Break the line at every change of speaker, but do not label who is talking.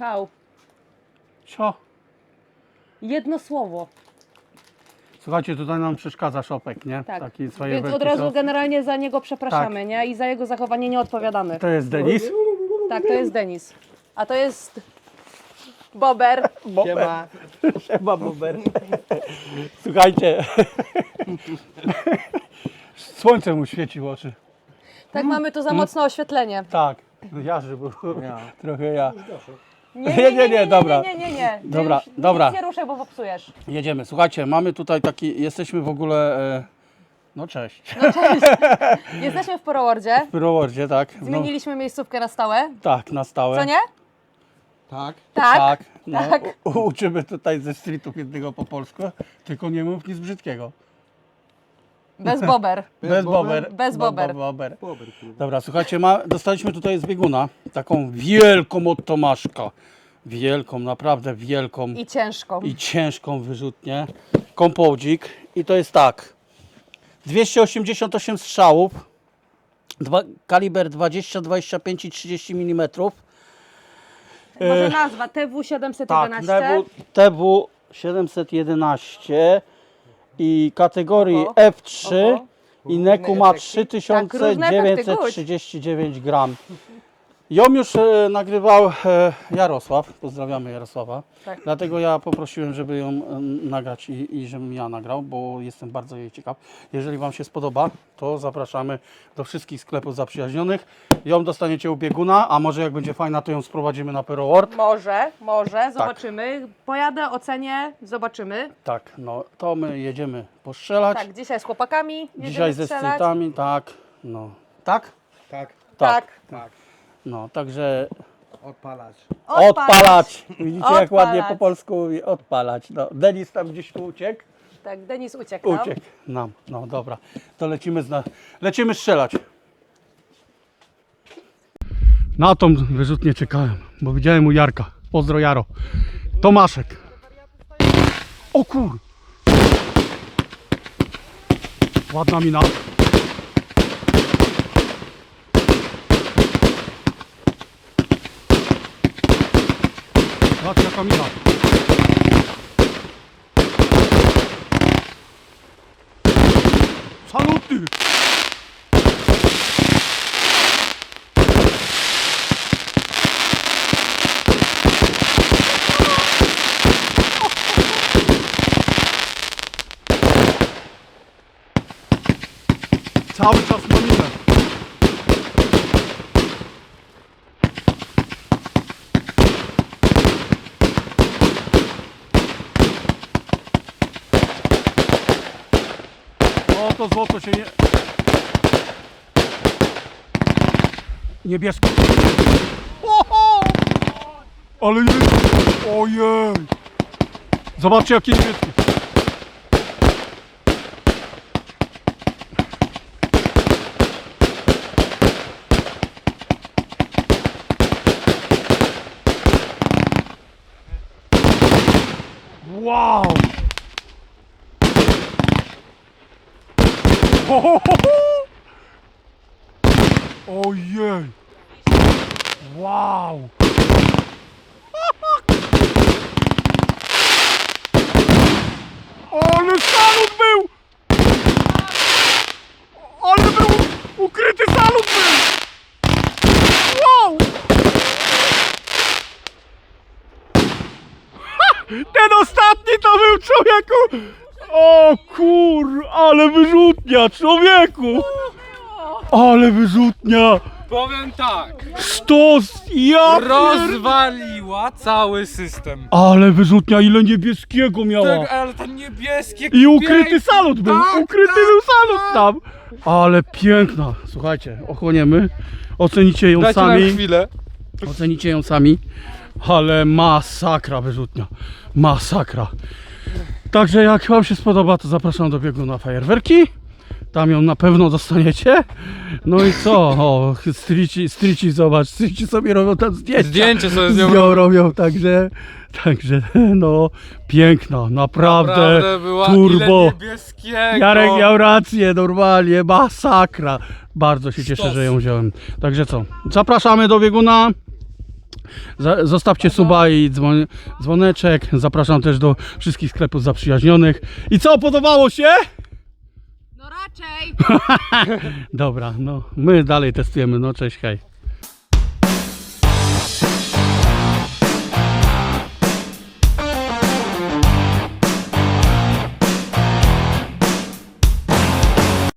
Michał,
Co?
jedno słowo.
Słuchajcie, tutaj nam przeszkadza Szopek, nie?
Tak.
Taki swoje
Więc od
wielkie
razu
są.
generalnie za niego przepraszamy,
Tak.
nie? I za jego zachowanie nie odpowiadamy.
To jest Denis.
Tak, to jest Denis. A to jest Bober.
Siema. Siema, Bober.
Słuchajcie. Słońce mu świeci w oczy.
Tak, mamy tu za mocne oświetlenie.
Tak. Jarzy, bo
Ja.
trochę ja.
Nie,
dobra.
Nie. Ty
Dobra,
już
dobra.
Nic nie ruszaj, bo popsujesz.
Jedziemy. Słuchajcie, mamy tutaj taki, jesteśmy w ogóle, no cześć.
Jesteśmy w Porowordzie.
W Pyrowordzie, tak. No,
Zmieniliśmy miejscówkę na stałe.
tak, na stałe.
Co nie?
Tak.
Tak.
Tak. No,
Tak.
Uczymy tutaj ze streetów jednego po polsku, tylko nie mów nic brzydkiego.
Bez Bober.
Bez bober.
Bez bober.
Bober.
Bober, kurwa.
Dobra, słuchajcie, dostaliśmy tutaj z bieguna taką wielką od Tomaszka. Wielką, naprawdę wielką
I ciężką.
i ciężką wyrzutnię. Kompodzik. I to jest tak. 288 strzałów. Kaliber 20, 25 i 30 mm.
Może nazwa TW711.
Tak, TW 711 i kategorii
Oho.
F3
Oho.
i Neku ma
efekty?
Tak, różne efekty,
3939 gram. Ją już nagrywał Jarosław, pozdrawiamy Jarosława,
Tak.
dlatego ja poprosiłem, żeby ją nagrać i żebym ja nagrał, bo jestem bardzo jej ciekaw. Jeżeli Wam się spodoba, to zapraszamy do wszystkich sklepów zaprzyjaźnionych. Ją dostaniecie u bieguna, a może jak będzie fajna, to ją sprowadzimy na Pero World.
Może, zobaczymy. Pojadę, ocenię, zobaczymy.
Tak, no to my jedziemy postrzelać.
Tak, dzisiaj z chłopakami jedziemy
Dzisiaj ze
strzelać.
streetami, tak, no. Tak?
Tak.
Tak.
Tak.
No, także
Odpalacz.
odpalać. Widzicie jak ładnie po
Odpalać.
polsku mówi, odpalać. No, Denis tam gdzieś uciekł.
Tak, Denis uciekł nam.
Uciekł nam. No dobra, to lecimy strzelać. Na tą wyrzutnię czekałem, bo widziałem u Jarka. Pozdro Jaro. Tomaszek. O kur... Ładna mina. Patrz jaka mina. Saluty! Cały czas na minę. O, to złoto się nie... Niebiesko. Oho! Ale jest... Ojej! Zobaczcie jakie niebieskie. Wow! Ho, ho, ho, ho! Ojej! Wow! Ale salut był! Ale był ukryty salut był! Wow! Ten ostatni to był, człowieku! O kur, ale wyrzutnia, człowieku! Ale wyrzutnia!
Powiem tak,
Sztos, ja pier...
rozwaliła cały system.
Ale wyrzutnia, ile niebieskiego miała!
Tak, ale ten niebieskie
I ukryty salut był,
Tak,
ukryty był salut tam! Ale piękna, słuchajcie, ochłoniemy, ocenicie ją
Dajcie nam
sami,
chwilę.
ocenicie ją sami, ale masakra wyrzutnia, masakra. Także jak Wam się spodoba, to zapraszam do biegu na fajerwerki. Tam ją na pewno dostaniecie. No i co? O, strici, zobacz, strici sobie robią tam zdjęcia.
Zdjęcie sobie
z nią robią, także no piękna, naprawdę
była
turbo.
ile niebieskiego.
Jarek miał rację, normalnie, masakra. Bardzo się cieszę,
Sztos.
że ją wziąłem. Także co? Zapraszamy do bieguna. Zostawcie suba i dzwoneczek. Zapraszam też do wszystkich sklepów zaprzyjaźnionych. I co, podobało się?
No raczej.
Dobra, no my dalej testujemy. No cześć, hej.